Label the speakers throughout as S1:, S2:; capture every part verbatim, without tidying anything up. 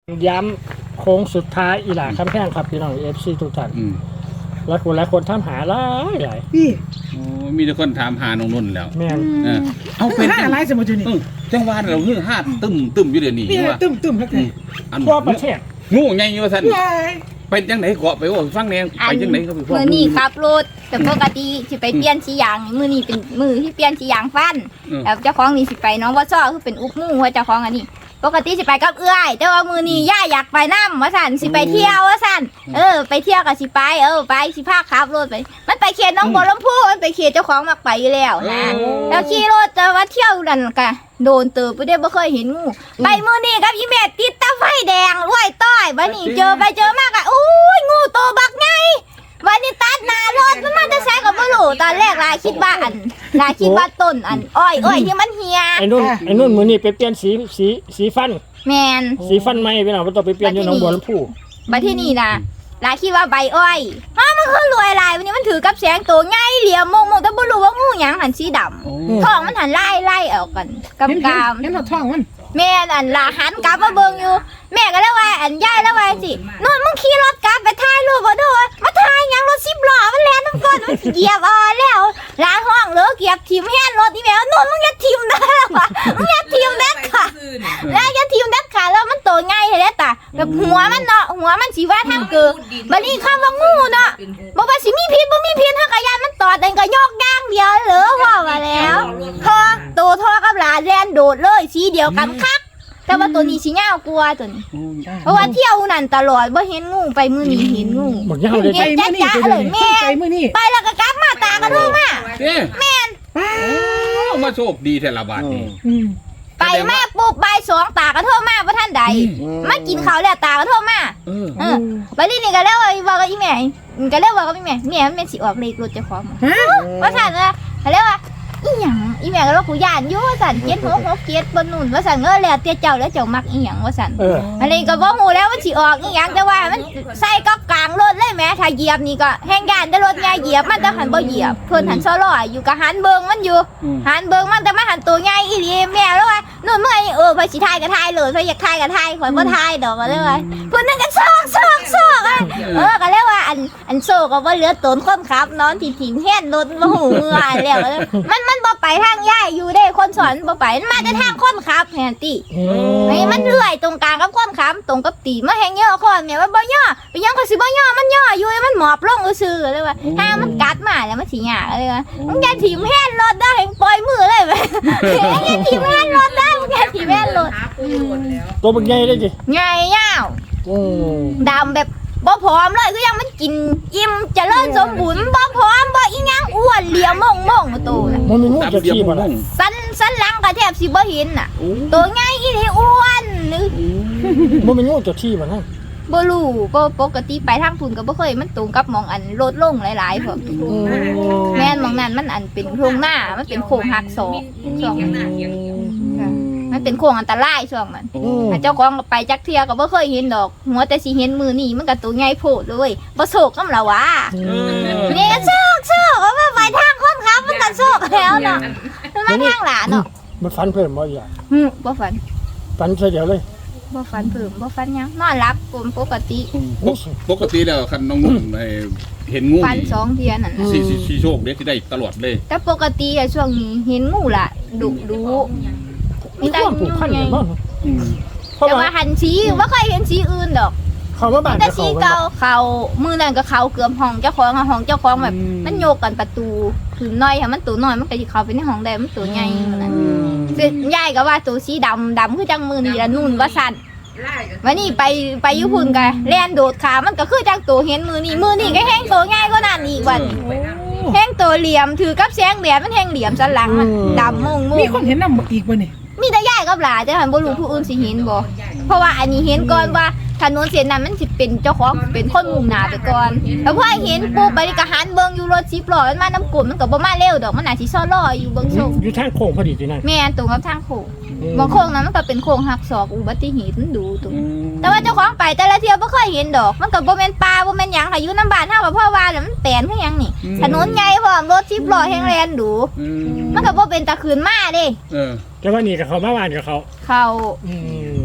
S1: ย้ำโค้งสุดท้ายอีหล่าคำแพงครับพี่น้องเอฟซีทุกท่านแล้วคนหลายคนถามหาหลายหลาย
S2: พี่
S3: โอ้มีแต่คนถามหาน้องนุ่นแล้ว
S1: แม่น
S3: เออเอาเป็น
S2: ห้าอะไรสมมุตินี่
S3: เออจังหวัดเราเฮือห้าตึมตึมอยู่เดี๋ยวนี้
S2: พี่
S3: ว่า
S2: ตึ้มตึ้มครับ
S3: อืมอัน
S1: ทั่วประเทศ
S3: งูใหญ่อยู่ว่าซั่น
S2: ว้าย
S3: ไปจังไหนเกาะไปว่าฟังแนงไปจังไหนครับพี่พ่อ
S4: มือนี่ขับรถแต่ปกติสิไปเปลี่ยนสียางมือนี่เป็นมือที่เปลี่ยนสียางฟันแล้วเจ้าของนี่สิไปน้องว่าซ้อคือเป็นอุกมู่ว่าเจ้าของอันนี้ปกติสิไปกับเอื้อยแต่ว่ามือนี่ย่าอยากไปน้ำว่าสันสิไปเที่ยวว่าสันเออไปเที่ยวกับสิไปเออไปสิพาขับรถไปมันไปเขตน้องบัวลำพูมันไปเขตเจ้าของมักไปอยู่แล้วนะแล้วขี่รถจะว่าเที่ยวนั่นกะโดนเติบไปได้บ่เคยเห็นงูไปมือนี่กับอีเมดติดตาไฟแดงรวยต้อยบัดนี้เจอไปเจอมากอะอู้ยงูโตบักไงวันนี้ตัดหน้ารถมันมาจะใช้กับบ่รู้ตอนแรกลาคิดว่าอันลาคิดว่าต้นอันอ้อยอ้อยที่มันเหี่ย
S1: ไอ้นุ่นไอ้นุ่นมือนี่ไปเปลี่ยนสีสีสีฟัน
S4: แมน
S1: สีฟันใหม่พี่น้องบ่ต้องไปเปลี่ยนอยู่หนองบัวลำพู
S4: บัดที่นี่นะลาคิดว่าใบอ้อยฮะมันคือรวยลายวันนี้มันถือกับแสงตัวง่ายเหลี่ยมมงมงแต่บ่รู้ว่างูหยังหันสีด
S3: โอ้
S4: ำท้องมันหันไล่ไล่ออกกันกับ
S2: เห็น
S4: กาม
S2: เห็นเราท้องมัน
S4: แม่อันลาหันกลับมาเบิ่งอยู่ แม่ก็เลยว่าอันยายแล้วว่าสินู่นมึงขี่รถกลับไปถ่ายรูปบ่ดูมาถ่ายหยังรถสิบล้อมันแล่นน้ำก้นมันเหยียบอ่อแล้วลาห้องเหลือเกียบทิ่มแฮนรถนี่แม่นู่นมึงอย่าทิ่มได้แล้วว่ะมึงอย่าทิ่มเด็ดขาดแล้วอย่าทิ่มเด็ดขาดแล้วมันโตง่ายเด้ตาแบบหัวมันเนาะหัวมันสิว่าทางเกิดบัดนี้คำว่างูเนาะบ่ว่าสิมีพิษบ่มีพิษถ้ากะยานมันตอดเองก็ยกย่างเดียวเหลือว่าว่าแล้วพอโตทอกับหลานแล่นโดดเลยสีเดียวกันคักแต่ว่าตัวนี้สิยาวกว่าตัวนี้ เพราะว่าเที่ยวนั่นตลอดบ่เห็นงูไปมื้อนี้เห็นงู
S1: บักยาวเลย
S2: ไปมื้อนี่ไปเลยไปมื้อนี่
S4: ไปแล้วก็กลับมาตากระโทรมา
S3: เอ๊ะแม่นมาโชคดีแท้ละบาดนี้
S2: อืม
S4: ไปมาปุ๊บบ่ายสองตากระโทรมาบ่ทันใดมากินข้าวแล้วตากระโทรมา
S3: เออ
S4: เออบัดนี้นี่ก็แล้วว่ากับอีแม่ก็แล้วว่ากับอีแม่แม่มันเป็นสิออกเลขรถเจ้าของ
S2: ฮะ
S4: ว่าซั่นว่าก็แล้วว่าอีหยังอีแม่ก็ว่ากูย่านอยู่ว่าซั่นเจ็ดหกหกเจ็ดบ่นู่นว่าซั่นเออแล้วแต่เจ้าแล้วเจ้ามักอีหยังว่าซั่น
S1: เออ
S4: อันนี้ก็บ่ฮู้แล้วมันสิออกอีหยังแต่ว่ามันใส่ก็กลางรถเลยแหม่ถ้าเหยียบนี่ก็แฮงย่านแต่รถใหญ่เหยียบมันแต่หันบ่เหยียบเพิ่นหันซอลอยอยู่ก็หันเบิ่งมันอยู่หันเบิ่งมันแต่มันหันตัวใหญ่อีหลีแม่แล้วว่านู่นเมื่อเออเพิ่นสิถ่ายก็ถ่ายเลยเพิ่นอยากถ่ายก็ถ่ายข่อยบ่ถ่ายดอกก็เลยว่าเพิ่นนั่นก็ซอกซอกซอกอ่ะเออก็เลยว่าอันอันโซก็บ่เหลือตนคนขับนอนที่ถิ่นแฮนรถบ่ฮู้เมื่อแล้วมันมันบ่ไปทางย้ายอยู่เด้คนสอนบ่ไปมันมาแต่ทางคนขับแฮนติ ไอ้มันเลื่อยตรงกลางกับความค้ำตรงกับตีมาแหงย่อคอนเนี่ยว่าบ่ย่อไปยังก็สิบ่ย่อมันย่ออยู่มันหมอบลงซื่อๆเลยว่าถ้ามันกัดมาแล้วมันสิยากเลยว่ามึงอย่าถิ่มแฮนรถได้ปล่อยมือเลยเว้ยอย่าถิ่มแฮนรถได้มึงอย่าถิ่มแฮนรถ
S1: ตัวบักใหญ่เลยจิ
S4: ใหญ่ยาว
S1: โอ้
S4: ดำแบบบ่พร้อมเลยคือยังมันกินอิ่มเจริญสมบูรณ์บ่พร้อมบ่อีหยังอ้วนเหลี่ยมมงๆมาโตน่ะ
S1: มันมีงู
S3: ตาม
S1: จะ
S3: เดียว
S1: ขี้บ่
S3: บ่
S1: ล่ะ
S4: สันสันหลังก็แทบสิบ่เห็นน่ะตัวใหญ่อีหลีอ้วนนึก
S1: มันมีงูจะขี้บ่นั่น
S4: บ่รู้ก็ปกติไปทางพุ่นก็บ่เคยมันตรงกับหมองอันรถลงหลายๆพวกแม่นหมองนั้นมันอันเป็นโครงหน้ามันเป็นโค้งหักศอกช่วงมันเป็นโค้งอันตรายช่วงมันถ้าเจ้าของก็ไปจักเที่ยก็บ่เคยเห็นดอกหัวแต่สิเห็นมือนี่มันก็ตัวใหญ่โพดเลยบ่โศกนำล่ะวะนี่ก็โศกโศกว่าไปทางคนขับมันก็โศกแล้วเนาะมันมาทางหลานเนาะ
S1: มันฟันเพิ่มบ่อีกอ่ะ
S4: ฮึบ่ฝัน
S1: ฟันซะเดียวเลย
S4: บ่ฝันเพิ่มบ่ฝันหยังนอนหลับปกติ
S3: ปกติแล้วคันน้องนุ่นไอ้เห็นงู
S4: ฝันสองเที่ยนั่น
S3: สิสิสิโชคเด้สิได้ตลอดเลย
S4: แต่ปกติอะช่วงนี้เห็นงูล่ะดุดุ
S1: มีความผูกพันกันบ่เพราะ
S4: แต่
S1: ว่า
S4: ว่าหันสีว่าเคยเห็นสีอื่นดอก
S1: เขามาบ้าน
S4: แต่
S1: จะ
S4: สี
S1: เขา
S4: เก่าเขามือนั่นก็เขาเกือบห้องเจ้าของอะห้องเจ้าของแบบมันโยกกันประตูคือน้อยค่ะมันตัวน้อยมันก็สิเข้าไปในห้องได้มันตัวใหญ่ขนาดนั้นซึ่งยายก็ว่าตัวสีดำดำคือจังมือนี่ละนุ่นว่าสั่นวันนี้ไปไปญี่ปุ่นกันแล่นโดดขามันก็คือจังตัวเห็นมือนี่มือนี่ก็แห้งตัวง่ายกว่านั้นอีกวันแห้งตัวเหลี่ยมถือกับแสงแดดมันแห้งเหลี่ยมสันหลังมันดำมงม
S2: มี
S4: ง
S2: คนเห็นนำอีกบ่นี่
S4: มีแต่ยายกับหลานแต่หันบ่รู้ผู้อื่นสิเห็นบ่เพราะว่าอันนี้เห็นก่อนว่าถนนเส้นนั้นมันสิเป็นเจ้าของเป็นคนมุ่งหน้าไปก่อนแล้วพอเห็นปุ๊บไปก็หันเบิ่งอยู่รถสิบล้อมันมาน้ำกลมมันก็บ่มาเร็วดอกมันน่าสิซ้อรออยู่เบิ่งโชค
S1: อยู่ทางโค้งพอดีที่นั่น
S4: แม่นตรงกับทางโค้งบางโค้งนั้นมันก็เป็นโค้งหักศอกอุบัติเหตุมันดูตรงแต่ว่าเจ้าของไปแต่ละเที่ยวบ่เคยเห็นดอกมันก็บ่แม่นป่าบ่แม่นหยังค่ะอยู่น้ำบ้านเฮาก็เพราะว่าแล้วมันแปลนคือหยังนี่ถนนใหญ่พร้อมรถสิบล้อแฮงแล่นดูมันก็บ่เป็นตะคืนมาเด้
S3: เออ
S1: แต่ว่านี่กับเขามาบ้านกับเขา
S4: เขา
S1: อืม
S4: ม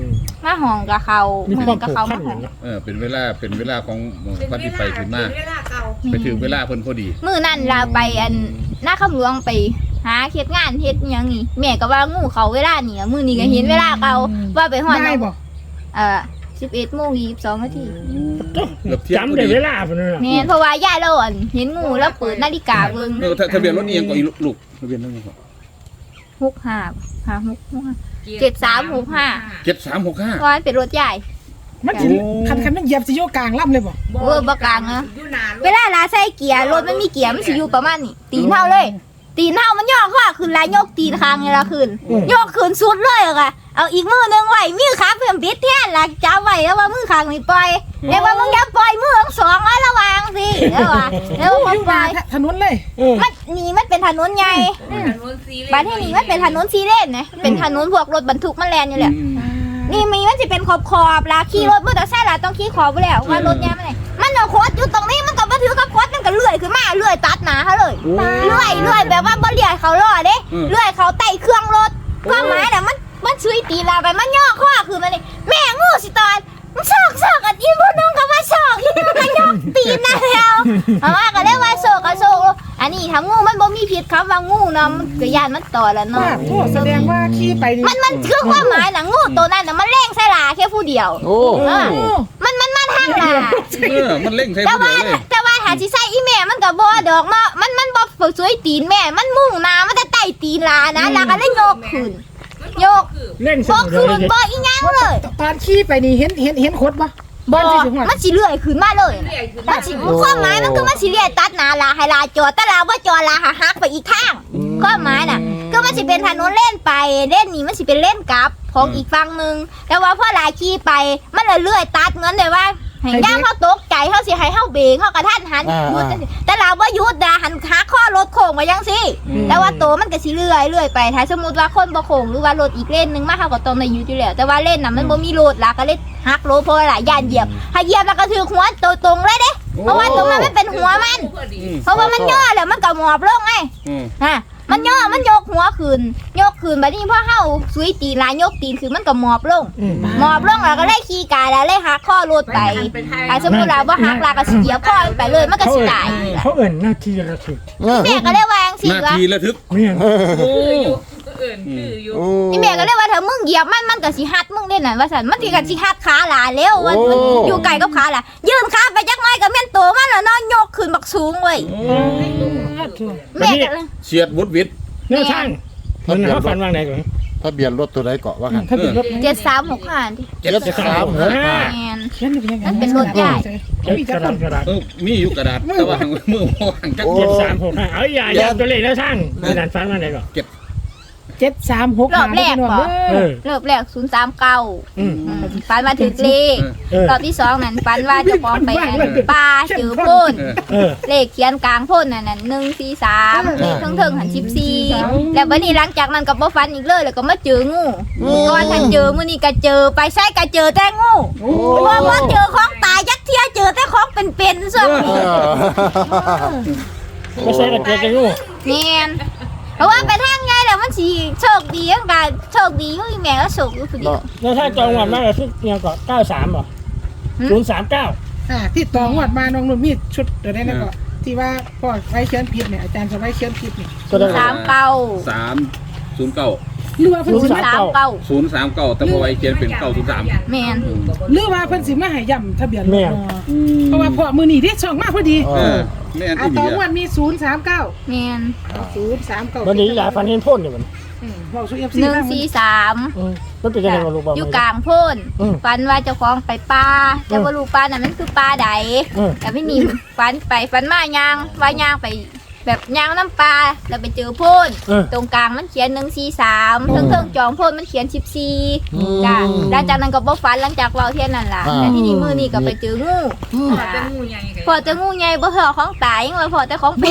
S4: มาห้องกับเขา
S1: มี
S4: มือ
S1: ความ
S4: กับ
S1: ผูก
S4: เขา
S1: พั
S4: มาน ห้อง
S1: เนาะ
S3: เออเป็นเวลาเป็นเวลาของปฏิไปถึงมาไปถึงเวลาเพิ่นพอดี
S4: มือนั่นเราไปอันหน้าคำหลวงไปหาเฮ็ดงานเฮ็ดหยังนี่แม่ก็ว่างูเขาเวลานี่อะมือนี้ก็เห็นเวลาเขาว่าไปฮอด
S2: ได้บ่
S4: เอ่อสิบเอ็ดโมงยี่สิบสองนาที
S3: เกือบเที่ยงพอ
S1: จำได้
S3: ดี
S1: เวลาพุ่นน่ะ
S4: แม่นเพราะว่าย่าเราอันเห็นงูแล้วเปิดนาฬิกาเบิ่ง
S3: เออทะทะเบียนรถนี่ยังก็อีลูกทะเบียนรถนี่ก็
S4: หกห้าห้าหกหกห้าเจ็ดสามหกห้า
S3: เจ็ดสามหกห้า
S4: เพราะมันเป็นรถใหญ่
S2: มันสิคันคันมันเหยียบสิโยกกลางล่ำเลยบ่
S4: เวอร์บกลางนะเวลาลาใส่เกียร์รถมันมีเกียร์มันสิอยู่ประมาณนี้ตีนเท่าเลย ตีนเท่ามันย่อข้อขึ้นแล้วยกตีนคางไงละขึ้นยกขึ้นสุดเลยอะค่ะเอาอีกมือหนึงไว้มือขาเพิ่มติดแท่นละจับไว้แล้วว่ามือคางนี่ปล่อยเรียกว่ามึงอย่าปล่อยมือทั้งสองไว้ระวังสิแล้วว่าแล้วว่าปล่อย
S2: ถนนเลย
S1: เออ
S4: มันนี่มันเป็นถนนใหญ่บ้านที่นี่มันเป็นถนนซีเลนนะเป็นถนนพวกรถบรรทุกมันแล่นอยู่แหละ นี่มีมันจะเป็นขอบขอบๆละขี่รถมอเตอร์ไซค์ละต้องขี่ขอบไปแล้วว่ารถเนี่ยมันไหนมันเอาโคตรอยู่ตรงนี้มันก็มาถือกับโคตรมันก็เลื่อยขึ้นมาเลื่อยตัดหนาเขาเลยเลื่อยเลื่อยแบบว่าบ่เลื่อยเขาล่อเด้เลื่อยเขาไต่เครื่องรถความหมายน่ะมันมันซุยตีลาไปมันย่อข้อคือมันนี่แม่งูสิตอนมันซอกซอกอันอีผู้นึงก็ว่าซอกอีนึงก็ย่อตีนนะแล้วเอาว่าก็เรียกว่าโซกก็โซกอันนี้ถ้างูมันบ่มีพิษคำว่างูเนาะมันก็ยานมันต่อแล้วเนาะ
S2: ว่าโทษแสดงว่าขี่ไปนี่
S4: มันมันคือความหมายนะงูตัวนั้นน่ะมันเล่งใส่ลาแค่ผู้เดียว
S5: โอ้
S4: เออมันมันมาทางลา
S3: เออมันเร่งใช้
S4: แต่
S3: ผู้เดี
S4: ว่า
S3: ยวเลย
S4: แต่ว่าหาสิใส่อีแม่มันก็บ่ดอกเนาะมันมันบ่ฝึกสวยตีนแม่ มันมุ่งหน้ามันจะไต่ตีนลานะลาก็เลยโยกขึ้นโยก
S1: เล่นส
S4: บ่
S1: นุกเล
S4: ขึ้น
S1: ย
S4: บ่อีหยังเลย
S2: ตอนขี่ไปนี่เห็นเห็นเห็นโคตรบ่
S4: บ่
S2: มันสิถึงหอด
S4: มันสิเลื่อยขึ้นมาเลยมันสิความหมายมันคือมันสิเลียตัดหน้าลาให้ลาจอดแต่ลาบ่จอดลาหาหักไปอีกทางความหมายน่ะก็มันสิเป็นถนนเล่นไปเล่นนี่มันสิเป็นเล่นกลับของอีกฝั่งนึงแต่ว่าพอลาขี่ไปมันเลยเลื่อยตัดเหมือนได้ว่าให้ย่างเขาตกใจเขาสิให้เขาเบรกเขากระทันหันหยุดจังซี้แต่เราว่าหยุดนะหันขาข้อรถโค้งมายังสิแต่ว่าโตมันก็สิเลื่อยเลื่อยไปถ้าสมมติว่าคนบ่โค้งหรือว่ารถอีกเลนหนึงมาเขาก็ต้องได้หยุดอยู่แล้วแต่ว่าเลนน่ะมันบ่มีรถล่ะก็เลยหักโลเพราะว่าหลายย่านเหยียบถ้าเหยียบแล้วก็ถือหัวโตตรงเลยเด้เพราะว่าตรงนั้นมันเป็นหัวมันเพราะว่ามันย่อแล้วมันก็หมอบลงไง
S3: อืม
S4: ฮะมันย่อมันยกหัวขึ้นยกขึ้นบัดนี้พอเฮาสุยตีนลายยกตีนคือมันก็หมอบลง
S1: อืม
S4: หมอบลงแล้วก็เลยขี่กายแล้วเลยหักข้อรถไปถ้าสมมุติว่าบ่หักลาก็สิเหยียบข้อมันไปเลยมันก็
S1: เขา
S4: สิ
S1: เอิ่น
S4: ตาย
S1: เขาเอิ่นหน้าที่ระทึก
S5: เออ
S4: แม่ก็เลยว่าจังซี่
S3: นา
S4: ว่า
S3: ทีระทึก
S1: เนี่ย
S3: โอ้
S5: โอ้
S4: นี่แม่ก็เลยว่าถ้ามึงเหยียบมันมันก็สิหัดมึงเด้นั่นว่าซั่นมันสิก็สิหัดขาหลาแล้วมันมันอยู่ไกลกับขาหลายืนขาไปจักหน่อยก็แม่นโตมันแล้วเนาะยกขึ้นบักสูงเว้ยแม่ก็เลย
S3: เฉียดวุดวิด
S1: แนวทางมันเขาฝันว่าไงก่อน
S5: ทะเบียนรถตัวใดเกาะว่ากัน
S2: ถ้าเป็นรถ
S4: เจ็ดสามหกห้าดิ
S3: เจ็ด
S5: เจ็ด
S3: สา
S5: สาม ม
S3: ห
S5: ห
S3: ก
S5: ก
S3: ห้า
S5: ห้า
S4: แม่น
S2: เขียนเป็นยังไง
S4: มันเป็นรถใหญ่
S1: เจ็ดกระดาษกระดาษ
S3: เออมีอยู่กระดาษแต่ว่ามือวางจัก
S1: เจ็ดสามหกห้าเอาอย่าอย่าตัวเลขแนวทางกระดาษฝันว่าไงก่อน
S2: เจ็ดสามหก
S4: รอบแรกบ่
S1: เออ
S4: เริ่มแรกศูนย์สามเก้า
S1: อืม
S4: ฝันมาถึงเลข
S1: เออ
S4: รอบที่สองนั่นฝันว่าเจะปองไปอันป่าจือพ่น
S3: เออ
S1: เออ
S4: เลขเขียนกลางพ่นนั่นน่ะหนึ่งสี่สามเลขทั้งเทิงหันสิบสี่แล้ววันนี้หลังจากนั้นก็บ่ฝันอีกเลยแล้วก็มาเจองูก่อนทันเจอมื้อนี้ก็เจอไปใช่ก็เจอแต่งูเพราะว่าเจอของตายยักเทียเจอแต่ของเป็นๆส่วน
S5: เออ
S1: ไม่ใช่ระเกิดกันงู
S4: แม่นเพราะว่าไปทางไงแล้วมันสิโชคดีจังกันโชคดีอยู่อีแม่ก็โชคอยู่ผู้เดียว
S1: แนวทางจองวันมากเลยที่เนี่ยก่อนเก้าสามบ่ศูนย์สามเก้า
S2: อ่าที่ต่องวดมาน้องนุ่นมีชุดเดี๋ยวได้แล้วก็ที่ว่าพ่อไว้เขียนผิดเนี่ยอาจารย์จะไว้เขียนผิดเนี่ย
S1: ก็ได้
S4: สามเก้า
S3: สามศูนย์เก้า
S2: หรือว่าเพิ่นสิ
S1: ศูนย์
S2: มา
S1: สาม
S4: สามเก้า
S3: ศูนย์สามเก้าแต่พอไว้เขียนเป็นเก้าศูนย์สาม
S4: แม่น
S2: หรือว่าเพิ่นสิมาให้ย่ำทะเบียนรถเนาะเพราะว่าพ่อมือนี่ที่ช่องมากพอดี
S5: เอ
S3: เอ
S5: อ
S3: อแม่น
S2: อ่า
S3: ที่
S2: ต่
S3: ดี
S2: องว
S3: อ่ะ
S2: ดมีศูนย์สามเก้า
S4: แม่น
S2: ศูนย์สามเก้า
S1: วันนี้หลายฝันเห็นพ่นอยู่มัน
S2: บอกสู้ เอฟ
S4: ห
S2: ซี
S4: นึ่ง
S2: บ้าง
S4: สี่สาม
S1: อืมมันเป็นยังไงกับลูกบอล
S4: อยู่กลางโพ่น
S1: อืม
S4: ฝันว่าเจ้าของไปป่าแต่ว่ารู้ป่านั้นมันคือป่าใด
S1: อืม
S4: แต่ไม่มีฝันไปฝันมายางว่ายางไปแบบยางน้ำปลาแล้วไปเจอโพ่น
S1: เออ
S4: ตรงกลางมันเขียนหนึ่งสี่สามเทิงเทิงๆจองโพ่นมันเขียนสิบสี่จ้ะหลังจากนั้นก็บ่ฝันหลังจากเราเที่ยนนั่นล่ะแต่ที่นี่มือนี่ก็ไปเจองู
S6: พอจะงูใหญ่ไง
S4: พอเจองูใหญ่บ่พอของตายยังไงพอแต่ของเป็น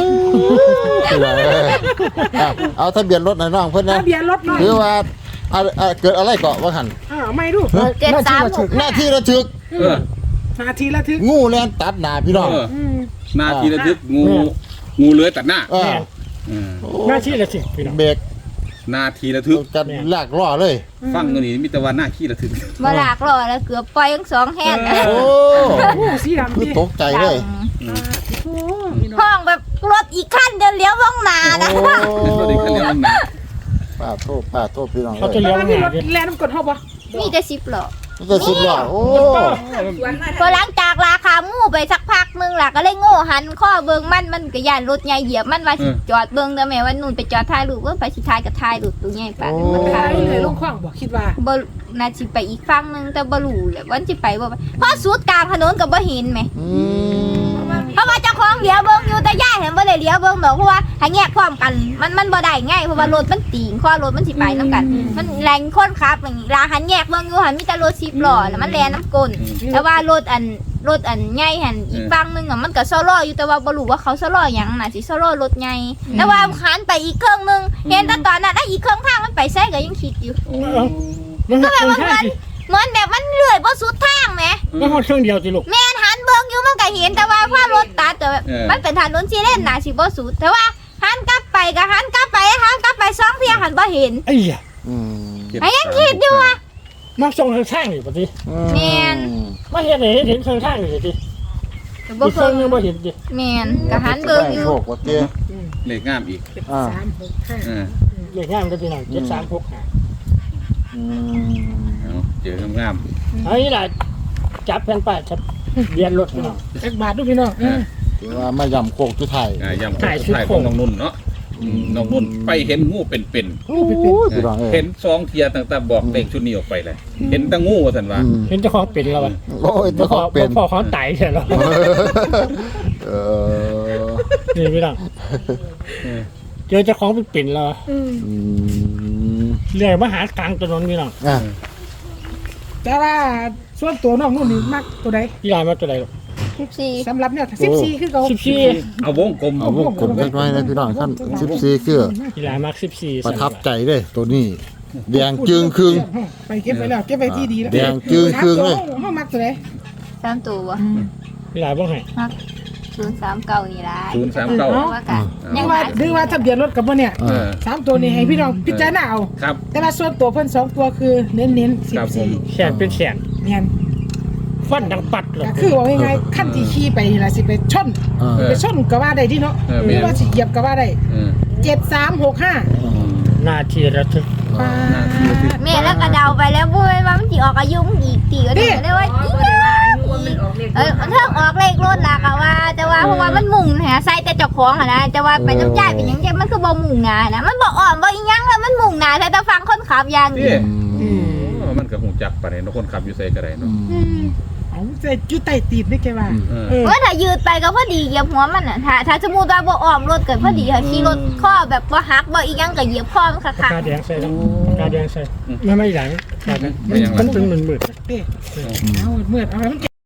S5: เอาเอาทะเบียนรถหน่อยน้องเพิ่นนะ
S2: ทะเบียนรถหน่อย
S5: คือว่าอะอะเกิดอะไรเกาะว่าหัน
S2: อ้าวไม่ดู
S4: เจ็ดสามหก
S5: หน้าที่ระทึก
S3: เออ
S2: นาทีละทึก
S5: งูแล่นตัดหน้าพี่น้อง
S3: เออ
S2: อืม
S3: นาทีระทึกงูงูเลื้อยตัดหน้า
S5: เออ
S3: เออ
S1: หน้าที่ละสิพี่น้อง
S5: เบรก
S3: นาทีระทึก
S5: กันลากล้อเลย
S3: ฟังตัวนี้มีแต่ว่าหน้าขี้ระทึก
S4: บ่ลากล้อแล้วเกือบปล่อยทั้งสองแฮน
S5: โอ้
S2: โอ้สีดำ
S5: คือ
S2: ดิ
S5: ตกใจเลย
S2: โอ้พี่น้อง
S4: ห้องแบบรถอีกคันเดินเลี้ยวว่องหนานะ
S5: โอ้
S3: สวัสดีครับเรื่องนะ
S5: ป้าโทษป้าโทษพี่น้อง
S1: เขา
S5: เล
S1: จะ
S5: ย
S1: เลี้ยว
S2: แล้ว
S1: ห
S2: มี
S1: น้าร
S2: ถ
S1: ดิ
S2: แล่นน้ำกรดเฮาบ่
S4: มีแต่สิบล้อ
S5: มันจะสิบล้อโอ้
S4: พอหลังจากราคาหมู่ไปสักพักนึงล่ะก็เลยโง่หันข้อเบิ่งมันมันก็ย่านรถใหญ่เหยียบมันว่าสิจอดเบิ่งเด้อแม่ว่านู่นไปจอดถ่ายรูปเบิ่งไปสิถ่ายก็ถ่ายรูปตัวใหญ่ปานนั้นมัน
S2: ตา
S4: ถ่าย
S2: ยเลยลงคลองบ่คิดว่า
S4: บ่น่าสิไปอีกฝั่งนึงแต่บ่รู้แหละว่าสิไปบ่ไปเพราะสุดกลางถนนก็บ่เห็นแหม
S5: อืม
S4: เพราะว่าเจ้าของเลี้ยวเบิ่งอยู่แต่ย่าเห็นบ่ได้เลี้ยวเบิ่งดอกเพราะว่าถ้าแยกพร้อมกันมันมันบ่ได้ไงเพราะว่ารถมันตีงข้อรถมันสิไปนํกัน มันแรงคนขับอย่างนี้ลาหันแยกเบิ่งอยู่หันมีแต่รถสิบล้อน่ะมันแล่นน้ำก้นแต่ว่ารถอันรถอันใหญ่หันอีกฝั่งนึงอ่ะมันก็โซโล่อยู่แต่ว่าบ่รู้ว่าเขาโซโล่หยังน่ะสิโซโล่รถใหญ่แต่ว่าหันไปอีกเครื่องนึงเห็นแต่ตอนนั้นไอ้อีกเครื่องทางมันไปไสก็ยังคิดอยู่
S1: มันก็แบบว่า
S4: เหมือนแบบมันเลื่อยบ่สุดทางแหม
S1: มันเครื่องเดียวสิลูก
S4: แม่นหันเบิ่งอยู่มันก็เห็นแต่ว่าว่ารถตัดแต่แบบมันเป็นถนนสี่เลนน่ะสิบ่สุดแต่ว่าหันกลับไปก็หันกลับไปหันกลับไปสองเที่ยหันบ่เห็น
S1: ไอ้เหี้ย
S5: อืม
S4: ไอ้ยังคิดอยู่อ่ะ
S1: มาส่งทางข้างนี่ปะติ
S4: แม่น
S1: มาเห็นไหนเห็นทางข้างนี่สิ
S4: บ่
S1: อีกเค
S4: เพิ่
S1: รื่อง
S4: ง
S1: ยังบ่เห็นดิ
S4: แม่นก็หันเบิ่งอยู่
S5: โชคว่าเตี้ย
S3: เลขงามอีก
S5: อ่า
S2: สามหกห้า
S3: เออ
S1: เลขงามก็พี่น้องเจ็ดสามหกห้า
S5: อืม
S3: เอาเจองาม
S1: เอานี่ล่ะจับแผ่นป้ายจับเรียนรถพี่น้อง
S2: เอ็กบาทดูพี่น้อง
S3: ๆเออ
S5: ถือว่ามาย่ำโคกจุดไทย
S3: อ่าย่ำสุดท้ายของน้องนุ่นเนาะอืมน้องนุ่นไปเห็นงูเป็น
S5: โอ้ยพี่น้องเอ้
S3: ๆ
S5: ย
S3: เห็นสองเทียตั้งแต่บอกเลขชุดนี้ออกไปเลยเห็นแตั้งงูว่าสันว่า
S5: อืม
S1: เห็นเจ้าของเป็นแล้ววะ
S5: โอ้ย
S1: บ่
S5: เจ้า
S1: พ
S5: ข
S1: อ
S5: องเป็น
S1: บ่พอเขาตายใช่หรอ
S5: เออ
S1: นี่พี่น้องเจอเจ้าของเป็นเป็นแล้ว
S2: อืม
S5: อืม
S1: เรื่อยมาหากลางถนนพี่น้อง
S5: อ่ะ
S2: แต่ว่าส่วนตัวน้องนู่นนี่มักตัวใด
S1: พี่ลายมาตัวใดลูก
S4: สิบสี่
S2: สำหรับเนี่ยสิบสี่คือเขา
S1: สิบสี่
S3: เอาวงกลม
S5: เอาวงกลมกันไว้นะพี่น้องท่านสิบสี่คือ
S1: พี่ลายมาสิบสี่
S5: ประทับใจเลยตัวนี้ แดงจึงครึ่ง
S2: ไปเก็บไปแล้วเก็บไปที่ดีแล้ว
S5: แดงจึงครึ่งเลย
S2: ห้องมักตัวไหน
S4: สามตัวบ่
S1: พี่ลายบ้างไง
S4: ศูนย์สามเก้านี่ล่ะ
S3: ศูนย์สามเก้า
S4: ว่ากัน
S2: ดึ
S4: ยัง ง
S2: ว่า
S4: หา
S2: ดึงว่าทะเบียนรถกับว่าเนี่ย
S3: เออ
S2: สามตัวนี้ให้พี่น้องพิจารณาเอา
S3: ครับ
S2: แต่ว่าส่วนตัวเพิ่นสองตัวคือเน้นเน้นสิ
S3: ครับ บผม
S2: สี่
S1: แขนเป็นแขน
S2: เนี่ย
S1: ฟันดังปัดเลย
S2: ก็คือว่าง่ายๆขั้นที่ขี่ไปนี่ล่ะสิไปชน
S5: เออ
S2: ไปชนก็ว่าได้ที่เนาะ
S3: เออ
S2: หรือว่าสิเหยียบก็ว่าได้
S3: เออ
S2: เจ็ดสามหกห้า
S1: นาทีระทึก
S4: แม่แล้วก็เดาไปแล้วบ่แม่นว่ามันสิออกอายุมึงอีกตีก็ได้ได้ว่าอีเออเทิงออกเลขรถล่ะก็ว่า แต่ว่าเพราะว่ามันมุ่งหาใส่แต่เจ้าของหั่นนะแต่ว่าไปน้ำใจเป็นหยังจังมันคือบ่มุ่งหน้านะมันบ่อ่อนบ่อีหยังแล้วมันมุ่งหน้าแต่แต่ฟังคนขับอย่างเดี
S3: นี่
S4: ยว
S5: อืม
S3: โอ้มันก็หูจักปานนี้เนาะคนขับอยู่ไสก็ได้เนาะ
S5: อืม
S2: เอาใจจุดใต้ตีนนี่แกว่า
S3: เออ
S2: เออ
S4: ว่าถ้ายืดไปก็พอดีเหยียบหัวมันน่ะถ้าถ้าสมมุติว่าบ่อ้อมรถเกิดพอดีค่ะขี่รถข้อแบบบ่หักบ่อีหยังก็เหยียบข้อมันคัก
S1: กาแดงใส่แล้วกาแดงใส่ไม่ไม่หลังมันมันเป็นหมื่นๆ
S2: เด้เอาเมื่อเอาให้มัน